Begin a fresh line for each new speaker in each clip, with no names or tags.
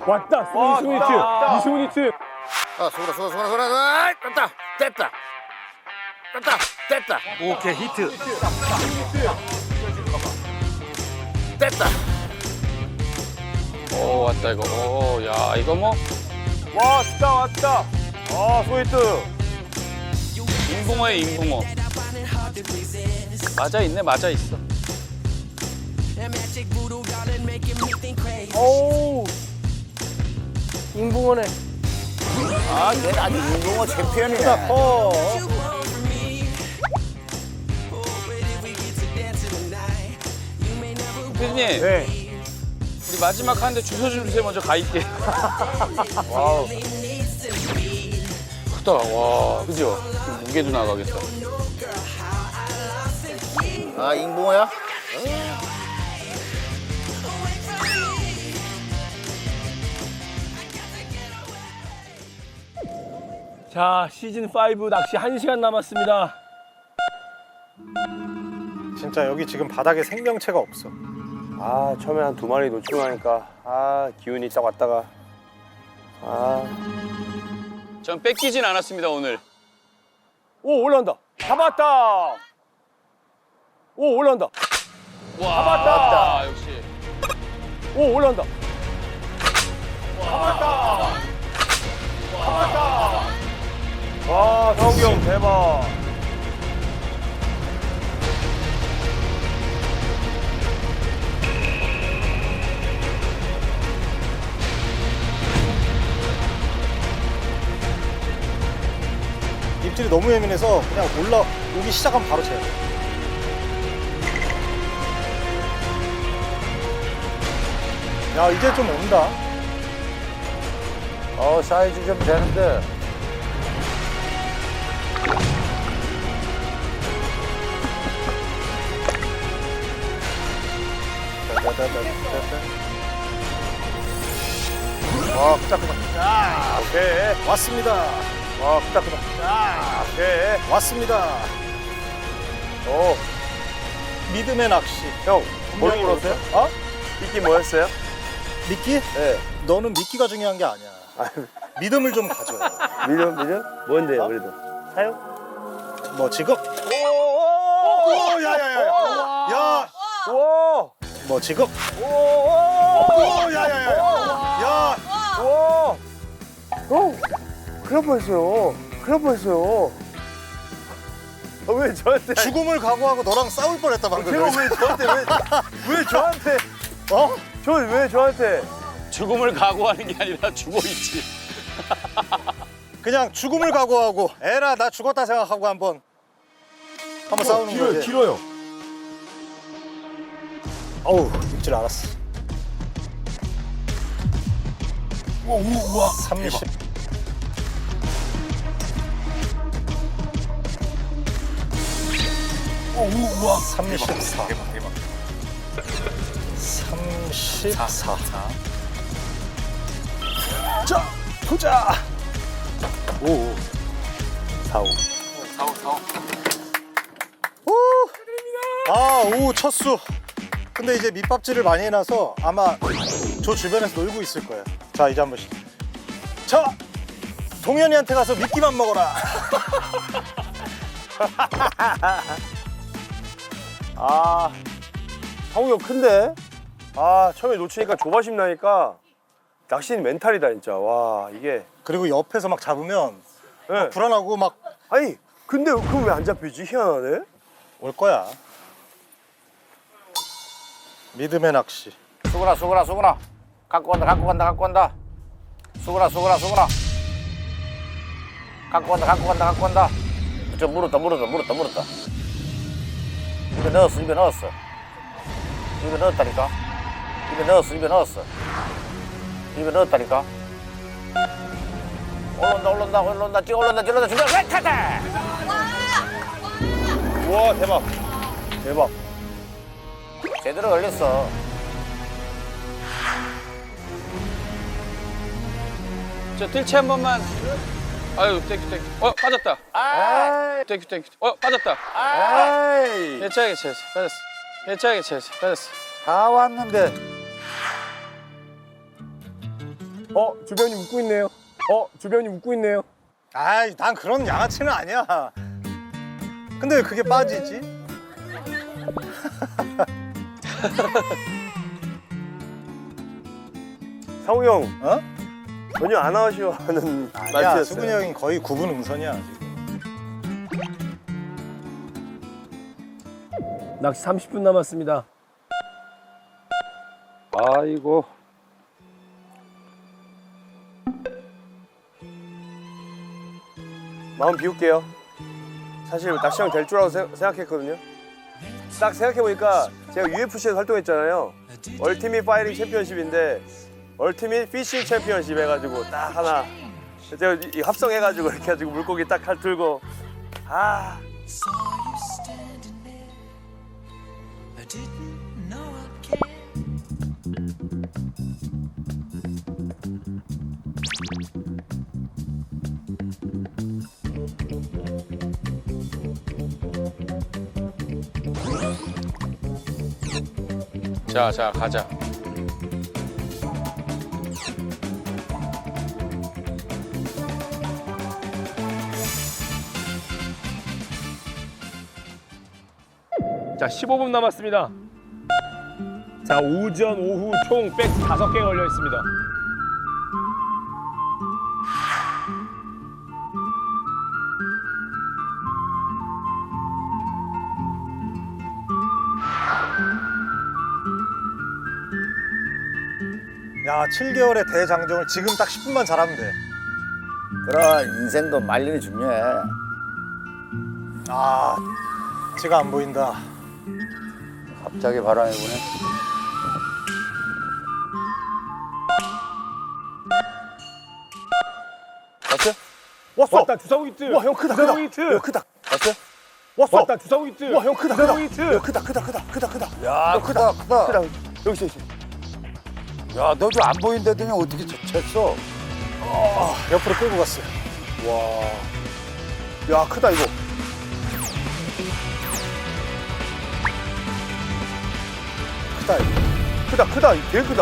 왔다. 스위니츠. 이스위니츠.
아, 수고라. 됐다.
오케이 히트.
됐다.
오 왔다 이거. 오 야 이거 뭐
왔다. 아, 스위트.
인붕어에 인붕어. 맞아 있어.
오. 인붕어네.
아, 얘는 아주 운동어 챔피언이네.
피디님
네.
우리 마지막 하는데 주소 좀 주세요. 먼저 가 있게.
와우.
크다. 와 그죠? 무게도 나가겠다.
아, 잉붕어야?
자, 시즌 5 낚시 1시간 남았습니다.
진짜 여기 지금 바닥에 생명체가 없어.
아, 처음에 한 2마리 놓치고 나니까 아, 기운이 딱 왔다가
전 뺏기진 않았습니다 오늘.
오, 올라온다. 잡았다. 오, 올라온다.
와
잡았다.
역시.
오, 올라온다. 와, 성우 형 대박.
입질이 너무 예민해서 그냥 올라오기 시작하면 바로 채야 돼. 야 이제 좀 온다.
사이즈 좀 되는데.
와 크다.
자, 오케이.
왔습니다.
와, 크다. 자, 오케이.
왔습니다.
오,
믿음의 낚시.
형, 뭘
분명히
물었어요?
오셨어요?
어? 미끼 뭐였어요?
미끼?
네.
너는 미끼가 중요한 게 아니야. 믿음을 좀 가져.
밀려? 뭔데요, 그래도? 사요?
뭐 지금?
오,
야야야야. 야.
우와!
뭐 지금?
오,
야야야야. 야.
우와! 형, 큰일 날 뻔했어요. 아, 왜 저한테?
죽음을 각오하고 너랑 싸울 뻔했다 방금.
제가 왜 저한테? 왜 저한테?
어?
저 왜 저한테?
죽음을 각오하는 게 아니라 죽어 있지.
그냥 죽음을 각오하고 에라 나 죽었다 생각하고 한번 싸우는 거지.
길어요.
어우 입질 알았어.
우와.
30.
우와.
34. 대박. 34.
자, 보자.
오. 45. 오, 첫 수. 근데 이제 밑밥질을 많이 해놔서 아마 저 주변에서 놀고 있을 거야. 자, 이제 한 번씩. 자, 동현이한테 가서 미끼만 먹어라.
아, 성우 형 큰데? 아, 처음에 놓치니까 조바심 나니까 낚시는 멘탈이다 진짜. 와, 이게.
그리고 옆에서 막 잡으면
네.
불안하고 막 올
아니, 근데 그럼 왜 안 잡히지? 희한하네.
거야. 믿음의 낚시.
수고라. 갖고 간다. 수고라. 갖고 간다. 저 물었다. 입에 넣었어. 입에 넣었다니까. 입에 넣었다니까. 올라온다. 찔러온다. 준비. 타타.
우와, 대박.
제대로 걸렸어.
저 뜰채 한 번만. 아유 땡큐. 빠졌다.
아,
땡큐. 빠졌다.
에이.
괜찮아. 빠졌어.
다 왔는데.
주변이 웃고 있네요. 주변이 웃고 있네요.
아이, 난 그런 양아치는 아니야. 근데 왜 그게 빠지지?
상우 형
어?
전혀 안 아쉬워하는
아니야,
말투였어요.
수근이 형이 거의 9분 음선이야 지금.
낚시 30분 남았습니다.
아이고.
마음 비울게요. 사실 낚시형 될 줄 알고 생각했거든요. 딱 생각해보니까 제가 UFC에서 활동했잖아요. 얼티밋 파이팅 챔피언십인데 얼티밋 피싱 챔피언십 해가지고 딱 하나 제가 이 합성해가지고 이렇게 해가지고 물고기 딱 들고 아
자, 가자.
자, 15분 남았습니다. 자, 오전, 오후 총 백 5개 걸려 있습니다.
야, 7개월의 대장정을 지금 딱 10분만 잘하면 돼.
그런 인생도 말년이 중요해.
아, 지가 안 보인다.
갑자기 바람이 부네.
왔어요? 왔어.
왔다, 주사위 히트.
와 형 크다 크다.
주사위 히트.
야, 크다. 왔어요? 왔어.
왔다, 주사위 히트.
와 형 크다 크다.
주사위 히트.
야, 크다 크다.
야, 크다.
크다. 여기 있어.
야, 너도 안 보인다더니 어떻게 쳤어?
옆으로 끌고 갔어요.
야 크다 이거.
크다 이거.
크다. 되게 크다.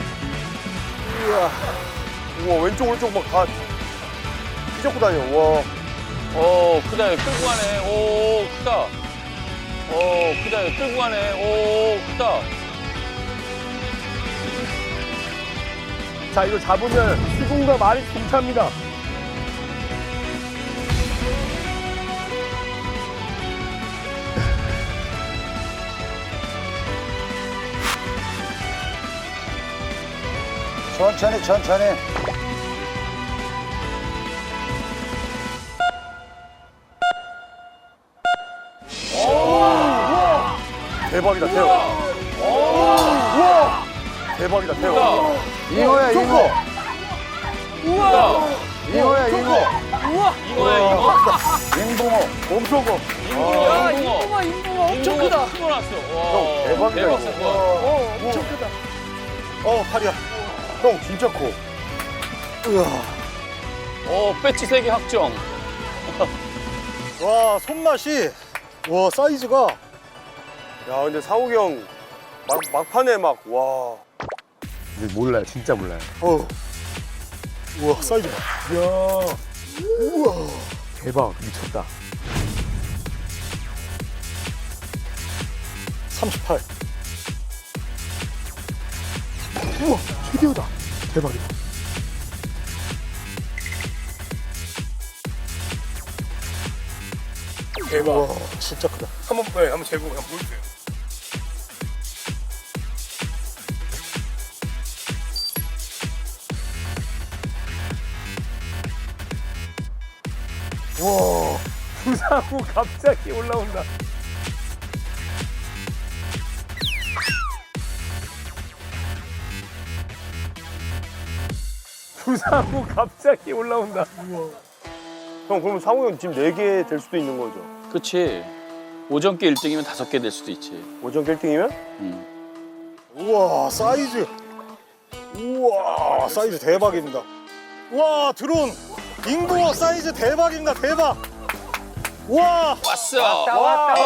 우와 왼쪽 오른쪽 막 다 휘젓고 다녀. 와.
크다. 끌고 가네. 오, 크다. 크다. 끌고 가네. 오, 크다.
자, 이거 잡으면 수중과 말이 동차입니다.
천천히.
대박이다 대박. 우와. 대박이다 대박.
잉어야, 잉어.
크다.
잉어야, 잉어.
이거야, 이거.
잉붕어.
엄청 커.
야, 잉붕어 엄청 크다. 큰거 났어. 와,
대박이다,
대박
이거.
사건.
엄청 크다.
팔이야.
형 진짜 커.
배치 3개 확정.
와, 손맛이. 와, 사이즈가.
야 근데 상욱이 형 막판에 막 와.
근데 몰라요, 진짜 몰라요.
우와, 사이즈 봐.
대박, 미쳤다.
38.
우와, 최대호다. 대박이다.
대박. 진짜 크다.
한번 재고 그냥 보여주세요.
부상후 갑자기 올라온다. 부상후 갑자기 올라온다.
형 그러면 상욱이 형 지금 4개 될 수도 있는 거죠?
그치. 오전께 1등이면 5개 될 수도 있지.
오전 1등이면?
우와, 사이즈. 우와, 사이즈 대박입니다. 우와, 드론. 잉붕어 사이즈 대박입니다. 대박. 우와.
왔어.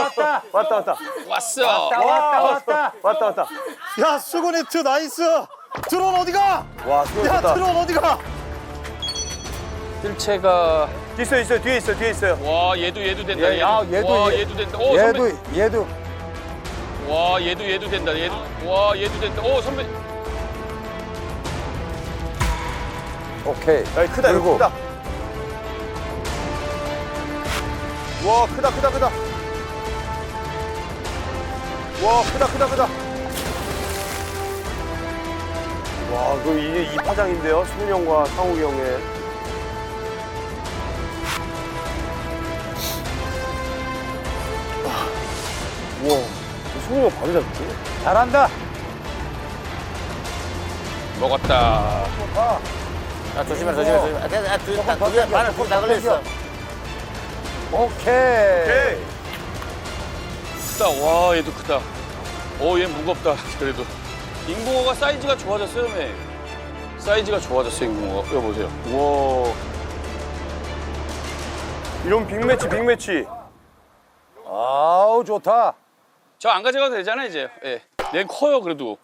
왔다.
왔어.
왔다.
야, 수고네트 나이스. 드론 어디가?
와, 수고
야
좋다.
드론 어디가?
뜰채가
있어요. 뒤에 있어요.
와 얘도 된다.
얘, 아, 얘도
와
얘-
얘도 된다. 오 선배.
얘도
와 얘도 된다. 와 얘도 된다. 오 선배.
오케이.
야, 크다, 이거
그리고-
크다. 와, 크다. 와, 크다. 와, 그 이게 이 파장인데요? 수근이 형과 상욱이 형의. 우와, 수근이 형 바로 잡지?
잘한다.
먹었다.
야, 조심해. 두개 반을 다 걸렸어. 오케이.
오케이.
크다. 와 얘도 크다. 오얘 무겁다. 그래도 잉붕어가 사이즈가 좋아졌어요, 매. 사이즈가 좋아졌어 잉붕어가. 이거 보세요.
우와. 이런 빅매치.
아우 좋다.
저 안 가져가도 되잖아 이제. 예. 얘 커요 그래도.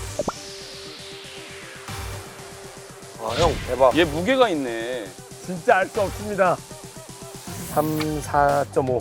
아, 형, 대박.
얘 무게가 있네.
진짜 알 수 없습니다. 3, 4.5.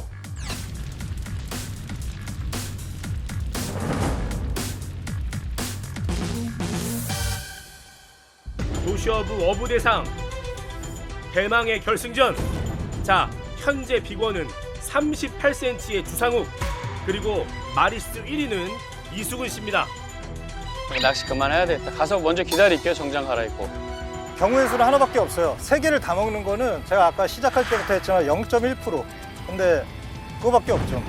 도시어부 어부대상 대망의 결승전. 자, 현재 빅원은 38cm의 주상욱, 그리고 마리스 1위는 이수근 씨입니다.
낚시 그만해야 되겠다. 가서 먼저 기다릴게요. 정장 갈아입고.
경우의 수는 하나밖에 없어요. 세 개를 다 먹는 거는 제가 아까 시작할 때부터 했지만 0.1%. 근데 그거밖에 없죠.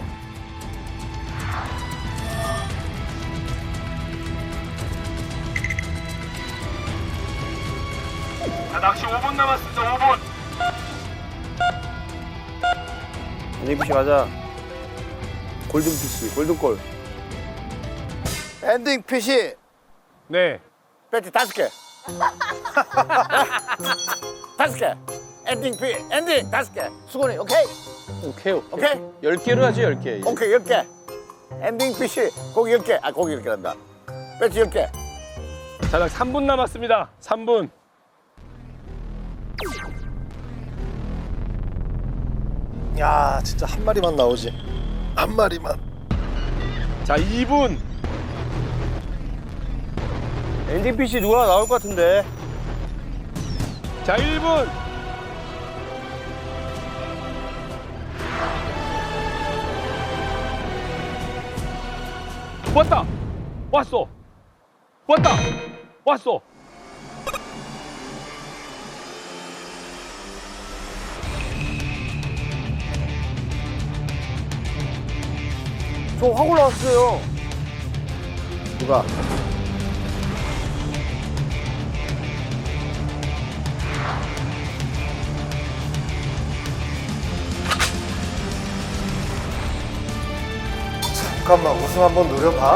자, 낚시 5분 남았습니다. 5분.
엔딩피시 가자. 골든피시, 골든골.
엔딩 핏이
네.
배지 5개. 5개. 엔딩 5개. 수건이 오케이.
오케이.
오케이.
10개로 하죠, 10개.
오케이 10개. 엔딩 핏이 고기 10개. 아 고기 10개 한다. 배지 10개.
자, 딱 3분 남았습니다. 3분.
야 진짜 한 마리만 나오지. 한 마리만.
자, 2분.
엔딩피시 누가 나올 것 같은데.
자, 1분. 왔다. 왔어.
저 확 올라왔어요.
누가?
잠깐만 우승 한번 노려봐.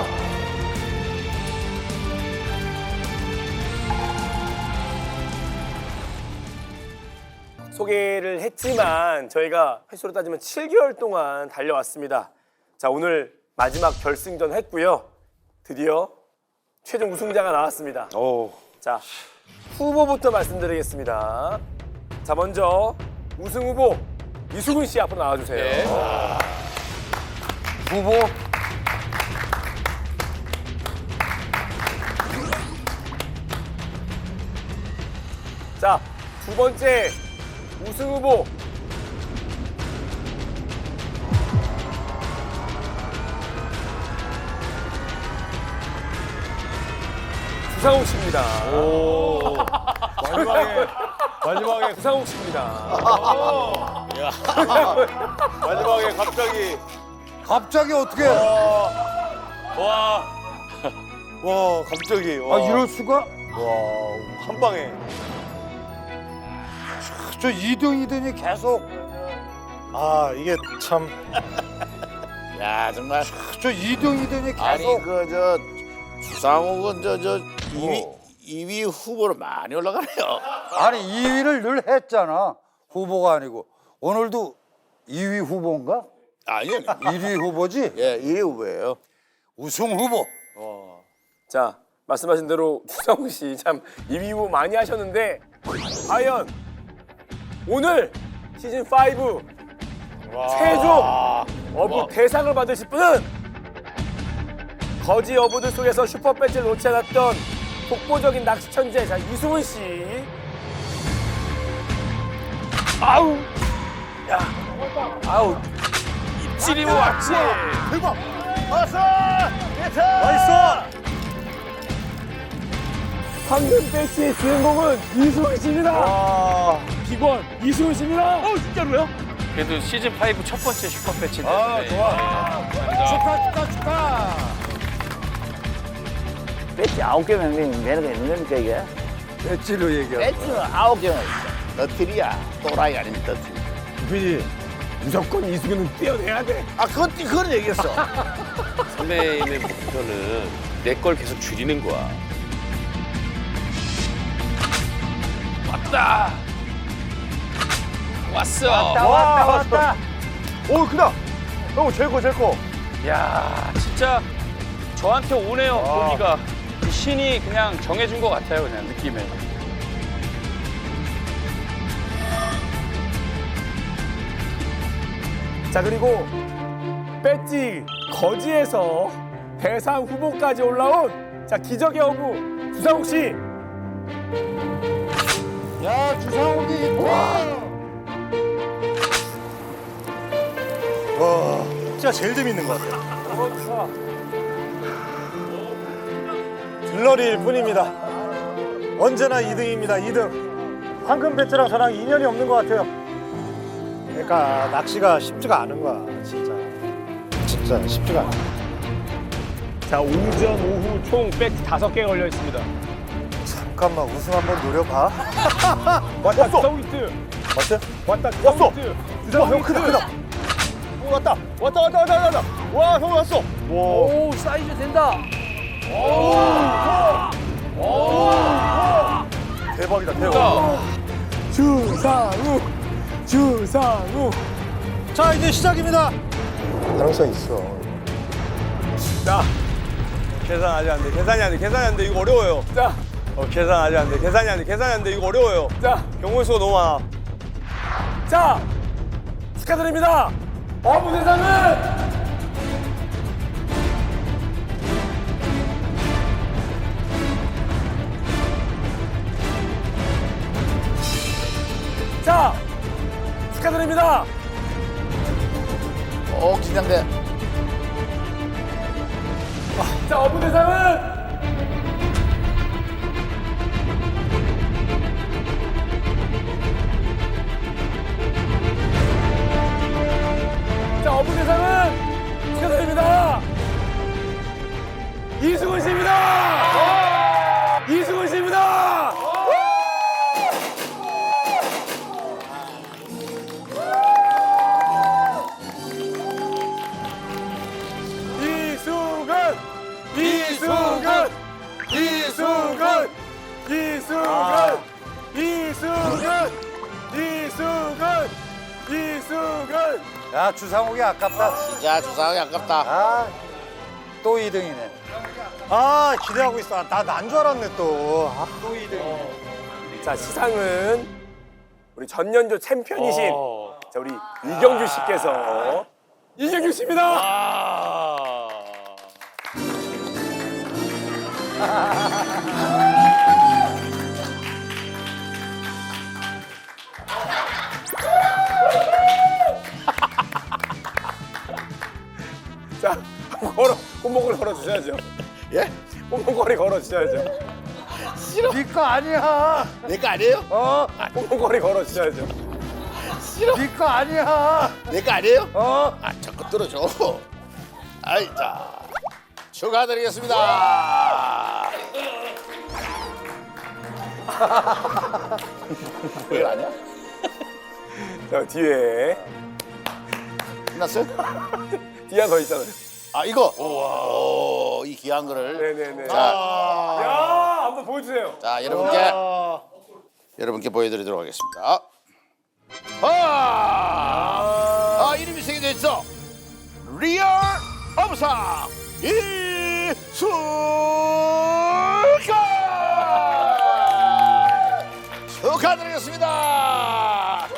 소개를 했지만 저희가 횟수로 따지면 7개월 동안 달려왔습니다. 자, 오늘 마지막 결승전 했고요. 드디어 최종 우승자가 나왔습니다.
오.
자, 후보부터 말씀드리겠습니다. 자, 먼저 우승 후보 이수근 씨 앞으로 나와주세요.
네.
후보.
자, 두 번째 우승 후보 주상욱 씨입니다.
마지막에
주상욱 씨입니다.
마지막에 갑자기.
갑자기 어떻게?
와, 갑자기. 와.
아 이럴 수가?
와, 한 방에.
저 2등이더니 계속.
아 이게 참.
야 정말. 저 2등이더니 계속.
아니 그 저 주상욱은 저 2위 후보로 많이 올라가네요.
아니 2위를 늘 했잖아. 후보가 아니고 오늘도 2위 후보인가?
아니요.
1위 후보지?
예, 2위 후보예요.
우승 후보.
자, 말씀하신 대로 주상욱 씨 참 2위 후보 많이 하셨는데 과연 오늘 시즌 5 최종 어부 대상을 받으실 분은 거지 어부들 속에서 슈퍼 배지를 놓지 않았던 독보적인 낚시 천재 자 이수훈 씨.
아우. 야. 아우. 입질이 왔지.
대박! 왔어! 나이스!
황금 배지의 주인공은 이수훈 씨입니다.
기권 이수훈 씨입니다.
진짜로요? 그래도 시즌 5 첫 번째 슈퍼 배치인데.
축하!
배지 9개면 되는 게 있는 겁니까 이게?
배지로 얘기하고.
배지는 9개면
너트리야. 또라이 아닌 너트리.
PD 무조건 이수근은 떼어내야 돼.
아, 그건 얘기했어.
선배님의 목표는 내 걸 계속 줄이는 거야. 왔다. 왔어.
왔다. 오 크다. 형 제일 커 제일 커.
야, 진짜 저한테 오네요. 고기가 그 신이 그냥 정해준 것 같아요. 그냥 느낌에.
자 그리고 배지 거지에서 대상 후보까지 올라온 자 기적의 어부 주상욱 씨.
야, 주상욱이 와, 진짜 제일 재밌는 것 같아요. 들러리일 뿐입니다. 언제나 2등입니다. 2등. 황금 배지랑 저랑 인연이 없는 것 같아요. 그러니까 낚시가 쉽지가 않은 거야, 진짜. 진짜 쉽지가 않아.
자 오전 오후 총 백 5개 걸려 있습니다.
잠깐만, 우승 한번 노려봐.
왔다 주상욱 히트.
어때?
왔다
왔어.
주상욱 히트.
와,
주상욱
형
히트.
크다, 크다.
왔다. 와 형 왔어.
오 사이즈 된다.
대박이다 대박.
주상욱.
자, 이제 시작입니다. 가능성 있어.
자 계산 아직 안 돼. 계산이 안 돼. 이거 어려워요.
자,
계산 아직 안 돼. 계산이 안 돼. 이거 어려워요.
자,
경우의 수가 너무 많아.
자 축하드립니다. 어부 대상은 자 축하드립니다.
긴장돼.
자 어부 대상은 자 어부 대상은 축하드립니다. 이수근 씨입니다. 이수근 씨입니다. 이수근.
야, 주상욱이 아깝다.
진짜 주상이 아깝다.
아, 또 2등이네.
아, 기대하고 있어. 나 난 줄 알았네, 또. 아,
또 2등이네.
자 시상은 우리 전년도 챔피언이신 자 우리 이경규 씨께서 이경규 씨입니다. 자 꽃목걸이 걸어 주셔야죠.
예?
꽃목걸이 걸어 주셔야죠.
네 거 아니야.
내 거 아니에요?
꽃목걸이 걸어 주셔야죠.
네 거 아니야.
내 거 아니에요? 아, 자꾸 들어줘. 아이, 자. 축하드리겠습니다. 왜 아니야?
자 뒤에
끝났어요?
뒤에 하나 더 있잖아요.
아, 이거. 오, 이 귀한 거를.
네네네.
자,
야 한번 보여주세요.
자, 여러분께 보여드리도록 하겠습니다. 이름이 새겨져 있어. 리얼 어부상 이수근. 축하드리겠습니다.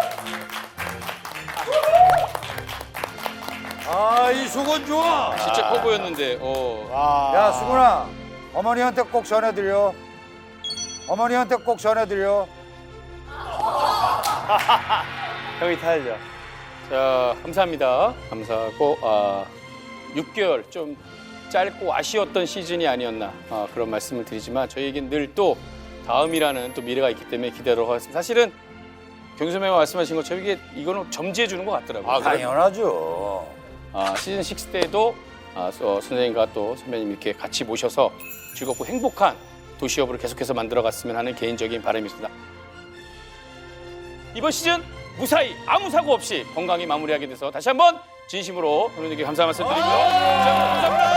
아, 이 수건 좋아.
진짜 커 보였는데.
야, 수근아, 어머니한테 꼭 전해드려. 어머니한테 꼭 전해드려.
형이 타야죠.
자, 감사합니다. 감사하고 6개월 좀 짧고 아쉬웠던 시즌이 아니었나 그런 말씀을 드리지만 저희에겐 늘 또 다음이라는 또 미래가 있기 때문에 기대하도록 하겠습니다. 사실은 경수매가 말씀하신 것처럼 이거는 점지해 주는 것 같더라고요.
당연하죠.
시즌 6 때도 선생님과 또 선배님 이렇게 같이 모셔서 즐겁고 행복한 도시업으로 계속해서 만들어갔으면 하는 개인적인 바람입니다. 이번 시즌 무사히 아무 사고 없이 건강히 마무리하게 돼서 다시 한번 진심으로 선배님께 감사 말씀드리고요. 감사합니다.